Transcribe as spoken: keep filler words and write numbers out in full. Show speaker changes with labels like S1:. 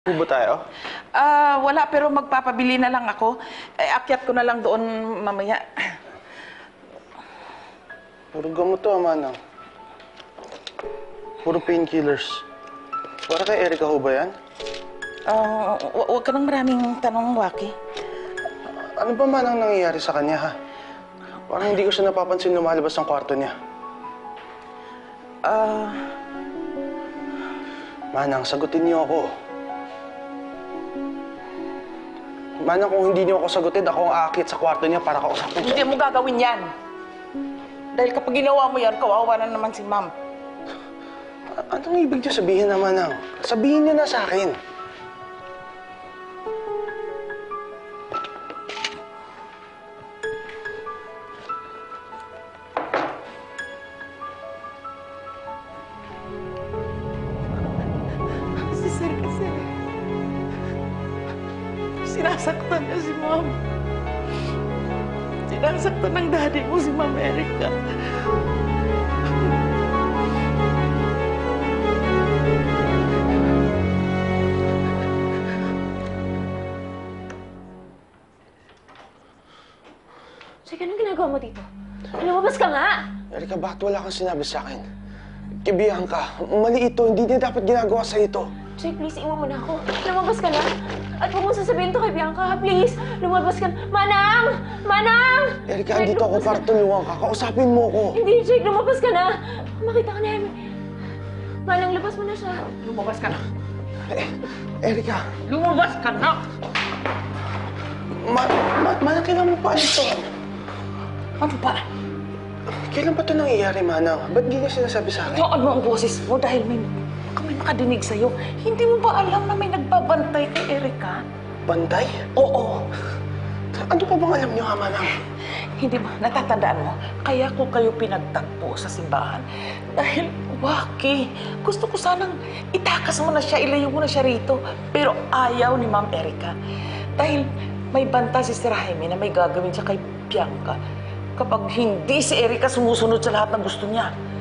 S1: Po ba tayo?
S2: Ah, wala, pero magpapabili na lang ako. Eh, akyat ko na lang doon mamaya.
S1: Puro gamot to, Manang. Puro painkillers. Para kay Erica ho ba yan?
S2: Ah, hu- huwag ka nang maraming tanong, Waki.
S1: Ano ba Manang nangyayari sa kanya, ha? Parang hindi ko siya napapansin lumalabas ng kwarto niya.
S2: Ah,
S1: Manang, sagutin niyo ako. Manang, kung hindi niyo ako sagutin, ako ang aakit sa kwarto niya para kausapin
S2: hindi
S1: siya.
S2: mo gagawin yan. Dahil kapag ginawa mo yan, kawawa na naman si Ma'am.
S1: A- Anong ibig niyo sabihin na, Manang? Sabihin niyo na sa akin.
S2: Si Sir kasi, sinasaktan niya si Ma'am. Sinasaktan ng daddy mo si Ma'am Erica.
S3: Sige, anong ginagawa mo dito? Lumabas ka nga!
S1: Erica, bakit wala kang sinabi sa akin? Kibiyahan ka. Mali ito. Hindi niya dapat ginagawa sa ito.
S3: Jake, please, iwan mo na ako. Lumabas ka na. At huwag mo sasabihin to kay Bianca, please. Lumabas ka na. Manang! Manang!
S1: Erica,
S3: Jake,
S1: andito ako
S3: lumabas
S1: para
S3: ka-
S1: tulungan ka. Kausapin mo ako.
S3: Hindi, Jake, lumabas ka na. Makita ka na, Amy. Manang, labas mo na siya.
S2: Lumabas ka na.
S1: Eh, Erica,
S2: Lumabas ka na!
S1: ma, ma, Manang, kailan mo pa ito?
S2: Ano ba?
S1: Kailan ba ito nangyayari, Manang? Ba't hindi niya sinasabi sa akin?
S2: Haan mo ang boses mo dahil may kami makadinig sa'yo. Hindi mo ba alam na may nagbabantay kay Erica?
S1: Bantay?
S2: Oo.
S1: Ano pa bang alam niyo, ha, Manang?
S2: Hindi ba? Natatandaan mo? Kaya ko kayo pinagtagpo sa simbahan. Dahil, Waki, gusto ko sanang itakas mo na siya, ilayo mo na siya rito. Pero ayaw ni Ma'am Erica. Dahil may banta si Sir Jaime na may gagawin siya kay Bianca kapag hindi si Erica sumusunod sa lahat ng gusto niya.